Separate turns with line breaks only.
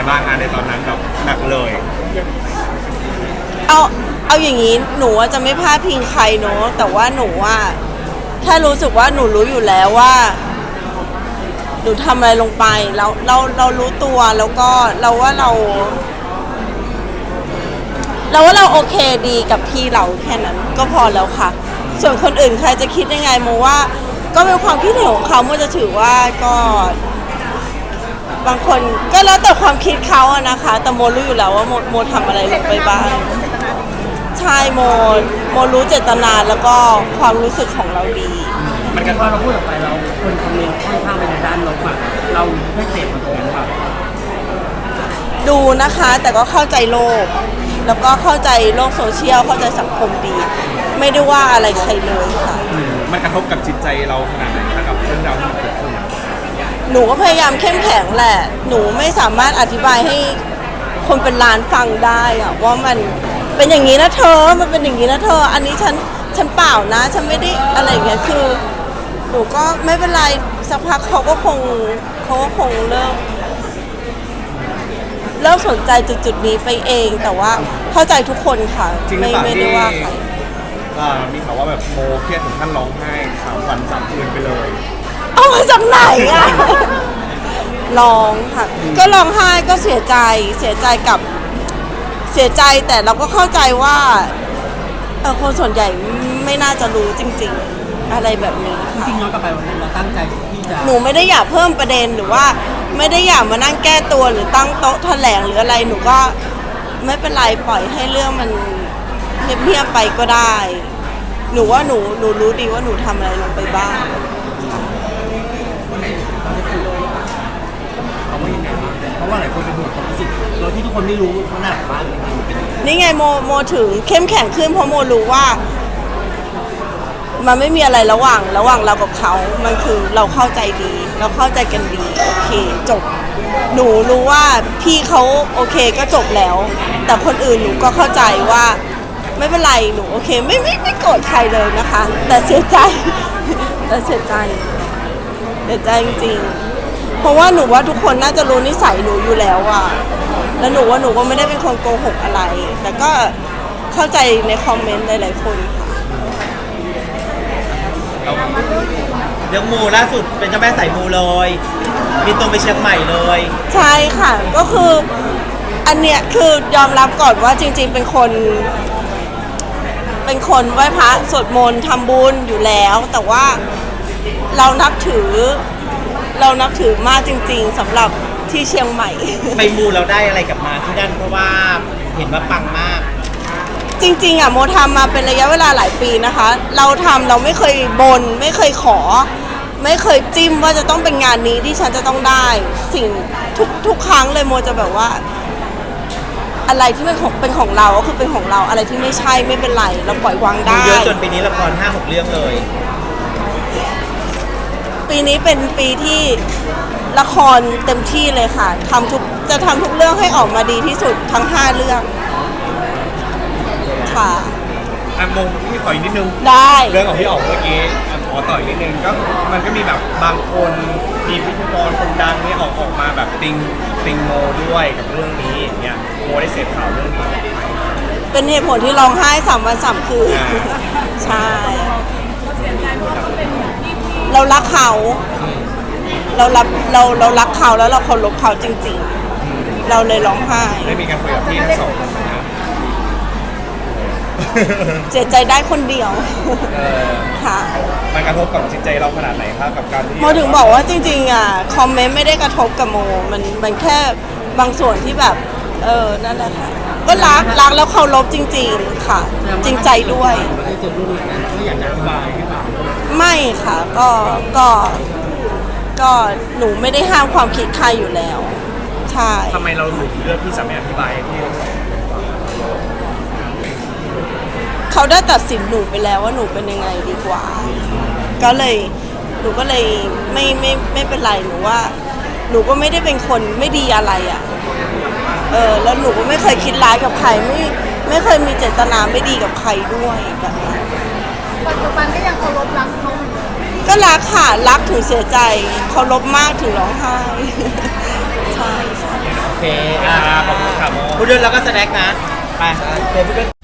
บ้างในตอนนั้นแบบหนักเลย
เอาเอาอย่างนี้หนูจะไม่พลาดพิงใครเนอะแต่ว่าหนูแค่รู้สึกว่าหนูรู้อยู่แล้วว่าหนูทำอะไรลงไปแล้วเรารู้ตัวแล้วก็เราว่าเราโอเคดีกับพี่เราแค่นั้นก็พอแล้วค่ะส่วนคนอื่นใครจะคิดยังไงโมว่าก็เป็นความคิดเห็นของเขาโมจะถือว่าก็บางคนก็แล้วแต่ความคิดเขาอะนะคะแต่โมรู้อยู่แล้วว่าโมทำอะไรลงไปบ้างใช่โมรู้เจตนาแล้วก็ความรู้สึกของเราดี
มันกันว่าเราพูดออกไปเราคนคอมเมนต์ค่อนข้างไปในด้านลบเราไม่เสพมันตรงนั้นแบบ
ดูนะคะแต่ก็เข้าใจโลกแล้วก็เข้าใจโลกโซเชียลเข้าใจสังคมดีไม่ได้ว่าอะไรใครเลยค่ะ
มันกระทบกับจิตใจเราขนาดไหนคะกับเรื่องราวที่เกิดขึ้น
หนูก็พยายามเข้มแข็งแหละหนูไม่สามารถอธิบายให้คนเป็นล้านฟังได้อะว่ามันเป็นอย่างนี้นะเธอมันเป็นอย่างนี้นะเธออันนี้ฉันเปล่านะฉันไม่ได้อะไรอย่างเงี้ยคือหนูก็ไม่เป็นไรสักพักเขาก็คงเลิกสนใจจุดนี้ไปเองแต่ว่าเข้าใจทุกคนค่ะไม่ได้ว่าใคร
มีข่าวว่าแบบโมเครียดถึงขั้นร้องไห้3 วัน3 คืนไปเลย
เอามาจากไหนอะร้องค่ะก็ร้องไห้ก็เสียใจแต่เราก็เข้าใจว่าคนส่วนใหญ่ไม่น่าจะรู้จริงๆอะไรแบบนี้ค่ะ
จริงๆย้อนกลับไปวันนั้นเราตั้งใจที่จะ
หนูไม่ได้อยากเพิ่มประเด็นหรือว่าไม่ได้อยากมานั่งแก้ตัวหรือตั้งโต๊ะแถลงหรืออะไรหนูก็ไม่เป็นไรปล่อยให้เรื่องมันเงียบๆไปก็ได้หนูว่าหนูรู้ดีว่าหนูทำอะไรลงไปบ้าง
เพราะว่าหลายคนเป็นห่วงความรู้สึกโดยที่ทุกคนไม่รู้ว่าหนักมาก
นี่ไงโมถึงเข้มแข็งขึ้นเพราะโมรู้ว่ามันไม่มีอะไรระหว่างเรากับเขามันคือเราเข้าใจดีเราเข้าใจกันดีโอเคจบหนูรู้ว่าพี่เขาโอเคก็จบแล้วแต่คนอื่นหนูก็เข้าใจว่าไม่เป็นไรหนูโอเคไม่โกรธใครเลยนะคะแต่เสียใจจริงๆเพราะว่าหนูว่าทุกคนน่าจะรู้นิสัยหนูอยู่แล้วอะแล้วหนูว่าหนูก็ไม่ได้เป็นคนโกหกอะไรแต่ก็เข้าใจในคอมเมนต์หลายๆคนค่ะ
เรื่องมูล่าสุดเป็นเจ้าแม่สายมูเลยบินตรงไปเชียงใหม่เลย
ใช่ค่ะก็คืออันเนี้ยคือยอมรับก่อนว่าจริงๆเป็นคนไหว้พระสวดมนต์ทำบุญอยู่แล้วแต่ว่าเรานับถือมากจริงๆสำหรับที่เชียงใหม่
ไปมูเราได้อะไรกลับมาที่นั่นเพราะว่าเห็นว่าปังมาก
จริงๆอ่ะโมทำมาเป็นระยะเวลาหลายปีนะคะเราไม่เคยบนไม่เคยขอไม่เคยจิ้มว่าจะต้องเป็นงานนี้ที่ฉันจะต้องได้สิ่งทุกครั้งเลยโมจะแบบว่าอะไรที่เป็นของเราก็คือเป็นของเราอะไรที่ไม่ใช่ไม่เป็นไรเราปล่อยวางได้
เยอะจนปีนี้ละคร 5-6 เรื่องเลย
ปีนี้เป็นปีที่ละครเต็มที่เลยค่ะจะทำทุกเรื่องให้ออกมาดีที่สุดทั้ง5 เรื่องค่ะ
โมพี่ขออีกนิดนึง
ได้
เรื่องของพี่อ๋องเมื่อกี้ขอต่ออีกนิดนึงก็มันก็มีแบบบางคนมีพิธีกรคนดังนี่ออกมาแบบติงโมด้วยกับเรื่องนี้อย่างเงี้ยโมได้เสพข่าวเรื่องนี้
เป็นเหตุผลที่ร้องไห้3 วัน 3 คืนใช่เรารักเขาเรารักเขาแล้วเราเคารพเขาจริงๆเราเลยร้องไห้
ได้มีการคุยกับพี่ทั้งสองคนนะ
เสียใจได้คนเดียวค่ะ
มันกระทบกับจิตใจเราขนาดไหนครับกับการที่
โมถึงบอกว่าจริงๆอ่ะคอมเมนต์ไม่ได้กระทบกับโมมันแค่บางส่วนที่แบบนั่นแหละค่ะก็รักแล้วเคารพจริงๆค่ะจริงใจด้วยไม่ค่ะก็หนูไม่ได้ห้ามความคิดใครอยู่แล้วใช่
ทำไมเราหลุดเลือกที่จะไม่อธิบายให้พี่ทั้งสอง
เขาได้ตัดสินหนูไปแล้วว่าหนูเป็นยังไงดีกว่าก็เลยหนูก็เลยไม่เป็นไรหนูว่าหนูก็ไม่ได้เป็นคนไม่ดีอะไรอ่ะแล้วหนูก็ไม่เคยคิดร้ายกับใครไม่เคยมีเจตนาไม่ดีกับใครด้วยแบบนั้น
ปัจจุบันก็ยังเคารพรักเขาเหมือนเดิม
ก็รักค่ะรักถึงเสียใจเคารพมากถึงร้องไห้ใช่
เค
อ่าขอบคุณครับโม
พูดด้วยแล้วก็สแน็คนะ ไปเดี๋ยวพูดด้วย